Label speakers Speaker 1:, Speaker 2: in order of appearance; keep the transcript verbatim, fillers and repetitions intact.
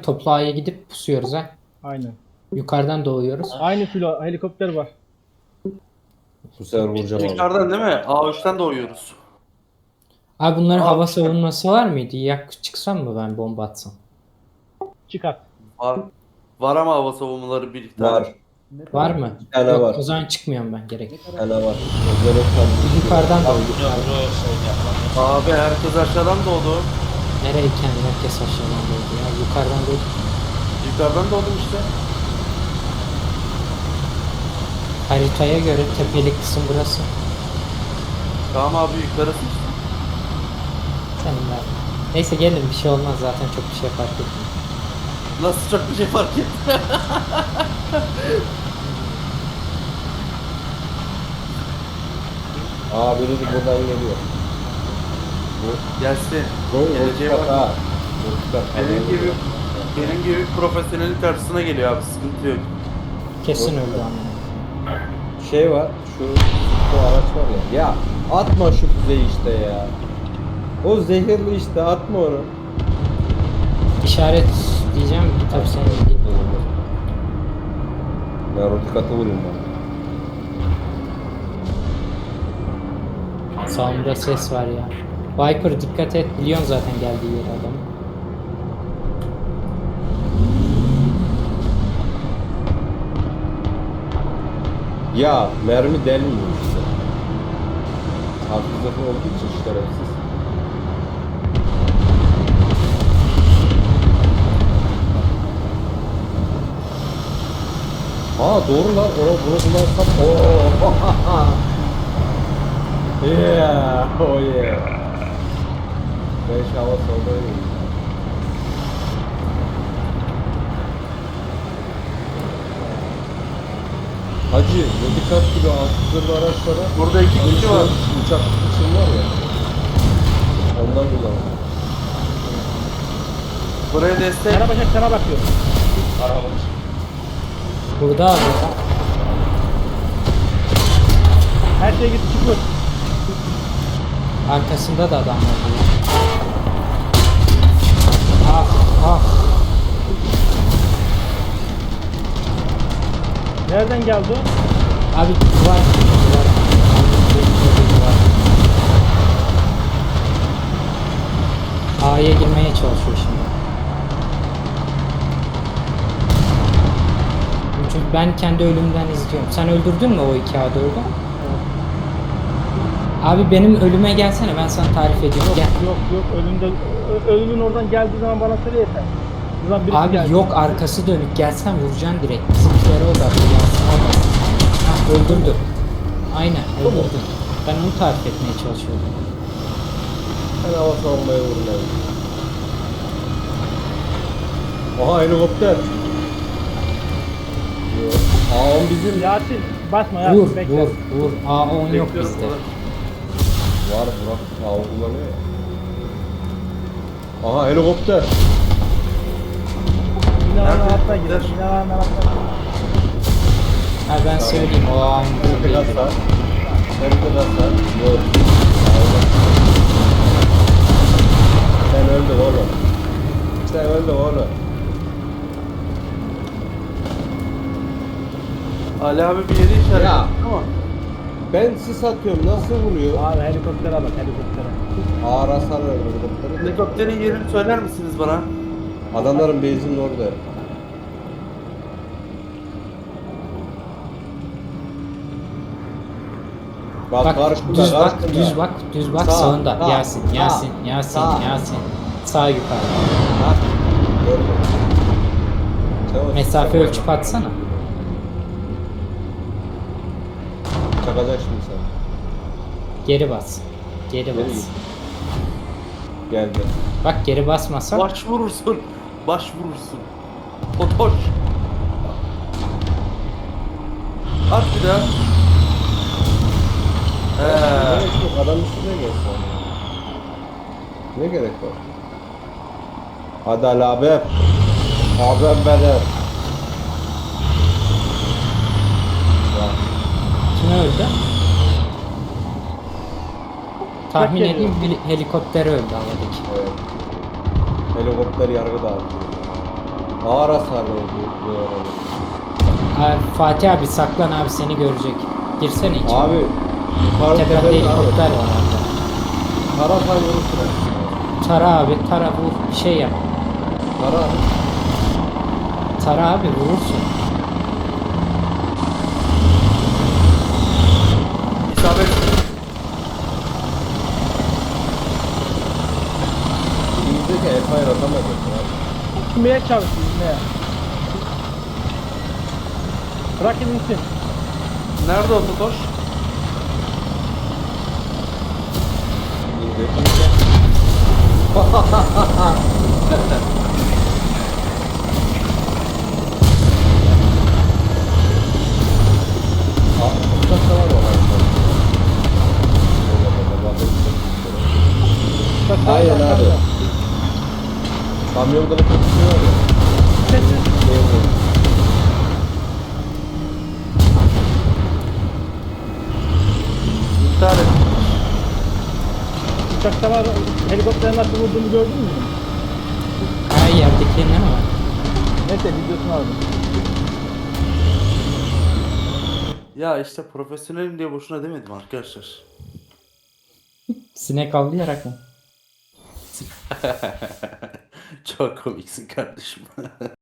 Speaker 1: toplu A'ya gidip pusuyoruz ha.
Speaker 2: Aynen.
Speaker 1: Yukarıdan doğuyoruz.
Speaker 2: Aynı filo helikopter var.
Speaker 3: Bu sefer vuracağım abi.
Speaker 4: Yukarıdan değil mi? A üçten doğuyoruz.
Speaker 1: Abi bunların
Speaker 4: Aa,
Speaker 1: hava
Speaker 4: çıkar.
Speaker 1: savunması var mıydı? Yak çıksam mı ben bomba atsam?
Speaker 2: Çıkart.
Speaker 4: Var. Var ama hava savunmaları bir iki tane.
Speaker 3: Var.
Speaker 1: Var mı?
Speaker 3: Bir tane
Speaker 1: Yok,
Speaker 3: var.
Speaker 1: o zaman çıkmıyorum ben gerek.
Speaker 3: Bir tane var. Gözleri tam-
Speaker 1: Yukarıdan doğdu.
Speaker 4: Abi herkes aşağıdan doğdu.
Speaker 1: Nereye kendi herkes aşağıdan doğdu ya? Yukarıdan doğdu.
Speaker 4: Yukarıdan doğdum işte.
Speaker 1: Haritaya göre tepeli kısım burası.
Speaker 4: Tamam abi yukarısı.
Speaker 1: Senin ver. Neyse gelin bir şey olmaz zaten çok bir şey fark etmiyor.
Speaker 4: Nasıl çok bir şey fark etti.
Speaker 3: Aa biri de buradan geliyor. Bu.
Speaker 4: Gelsin.
Speaker 3: Bu
Speaker 4: Geleceğe
Speaker 3: Rutkat
Speaker 4: bak.
Speaker 3: ha. Rutkat.
Speaker 4: Benim gibi, benim gibi bir profesyonelin karşısına geliyor abi. Sıkıntı yok.
Speaker 1: Kesin öldü ama.
Speaker 3: Şey var. Şu bu araç var ya. Ya atma şu füzeyi işte ya. O zehirli işte atma onu.
Speaker 1: İşaret diyeceğim tabii sen değil.
Speaker 3: Ben Rutkat'ı vurayım ben.
Speaker 1: Sağımda ses var ya. Viper dikkat et biliyorsun zaten geldiği yeri adam.
Speaker 3: Ya mermi delmiyor işte. Hafızatı olduğu için şerefsiz. Aa doğru lan. Onu bunu kullansam. Oo. Yeah. Oh yeah. Ben şu hava soldayım. Hacı, Rodikat gibi altı araçlara
Speaker 4: Burada iki kişi var.
Speaker 3: uçak için var ya. Ondan kullanalım.
Speaker 4: Buraya destek.
Speaker 2: Karabaşak sana bakıyor.
Speaker 1: Burada abi.
Speaker 2: Her şey gitti çıkıyor.
Speaker 1: Arkasında da adam var. Ah ah.
Speaker 2: Nereden geldi o?
Speaker 1: Abi duvar. Duvar. Duvar. A'ya girmeye çalışıyor şimdi. Çünkü ben kendi ölümden izliyorum. Sen öldürdün mü o iki A dördü? Abi benim ölüme gelsene ben sana tarif ediyorum. Gel.
Speaker 2: Yok yok ölümde ö- ölümün oradan geldiği zaman bana söyle yeter. Buradan birisi
Speaker 1: Abi
Speaker 2: geldi.
Speaker 1: yok arkası dönük gelsen vuracaksın direkt. Bizimkilere odaklı yansın orada. Hah öldürdü. Aynen öldürdü. Ben onu tarif etmeye çalışıyorum.
Speaker 3: Ben hava savunmaya vurmayayım. Aha helikopter. Yok. Aa on bizim.
Speaker 2: Yasin basma Yasin
Speaker 1: Vur
Speaker 2: bekle.
Speaker 1: vur vur. A on yok
Speaker 4: Bekliyorum
Speaker 1: bizde.
Speaker 4: burada.
Speaker 3: Var Burak. Aa o kullanıyor ya. Aha helikopter.
Speaker 2: Binanın
Speaker 4: Nerede?
Speaker 2: altına gir.
Speaker 4: Nerede?
Speaker 2: Binanın altına gir.
Speaker 1: Ha ben söyleyeyim o A on
Speaker 3: Hem de
Speaker 1: değil.
Speaker 3: hasar. Hem de hasar. Yok. Sen öldün oğlum. Sen öldün oğlum.
Speaker 4: Ali abi bir yeri işaret
Speaker 3: Ya.
Speaker 4: etti ama.
Speaker 3: Ben sis atıyorum. Nasıl vuruyor?
Speaker 2: Abi helikoptere bak helikoptere.
Speaker 3: Ağır hasar ver helikopteri.
Speaker 4: Helikopterin yerini söyler misiniz bana?
Speaker 3: Adamların base'inin orada. Bak,
Speaker 1: Bak
Speaker 3: karşında,
Speaker 1: düz bak
Speaker 3: karşında.
Speaker 1: düz bak düz bak
Speaker 3: Sağ,
Speaker 1: sağında.
Speaker 3: sağ,
Speaker 1: Yasin
Speaker 3: sağ,
Speaker 1: Yasin Yasin
Speaker 3: sağ.
Speaker 1: Yasin. Sağ yukarı.
Speaker 3: Ha? Gördüm. Çabuk,
Speaker 1: Mesafe
Speaker 3: çabuk.
Speaker 1: ölçüp atsana.
Speaker 3: Çakacak şimdi sen.
Speaker 1: Geri bas. Geri
Speaker 3: Geri
Speaker 1: bas.
Speaker 3: git. Geldi.
Speaker 1: Bak geri basmasan
Speaker 4: Baş vurursun. Baş vurursun. Otoş. At bir daha. He.
Speaker 3: Gerek yok. Adam üstüne gelsin. Ne gerek var? Hadi Ali abi. Abim benim. Ya,
Speaker 1: kim öldü? Tahmin
Speaker 2: geliyor.
Speaker 1: edeyim bir helikopter öldü havadaki.
Speaker 3: evet. Helikopter yargı dağıtıyor. Ağır hasarlı bu, bu arada.
Speaker 1: Abi, Fatih abi saklan abi seni görecek. Girsene içeri.
Speaker 3: Abi yukarı
Speaker 1: Tepede
Speaker 3: tepede
Speaker 1: helikopter var orada.
Speaker 3: Tara say vurursun abi.
Speaker 1: Tara abi tara vur bir şey yap.
Speaker 3: Tara.
Speaker 1: Tara abi vurursun.
Speaker 4: İsabet.
Speaker 3: İngilizce Empire atamayacaksın abi.
Speaker 2: Gitmeye çalışıyor gitmeye. Bırak insin.
Speaker 4: Nerede o Totoş?
Speaker 3: İngilizce. Aa, uçakta var o harita. Aynen abi. Kamyonda da konuşuyor ya.
Speaker 2: Ses ses.
Speaker 3: Şey oluyor.
Speaker 4: İntihar et.
Speaker 2: Uçakta var. Helikopterin nasıl vurduğunu gördün mü?
Speaker 1: Ha yerdeki ne var?
Speaker 2: Neyse videosunu aldım.
Speaker 4: Ya işte profesyonelim diye boşuna demedim arkadaşlar.
Speaker 1: Sinek avlayarak mı?
Speaker 4: Çok komiksin kardeşim.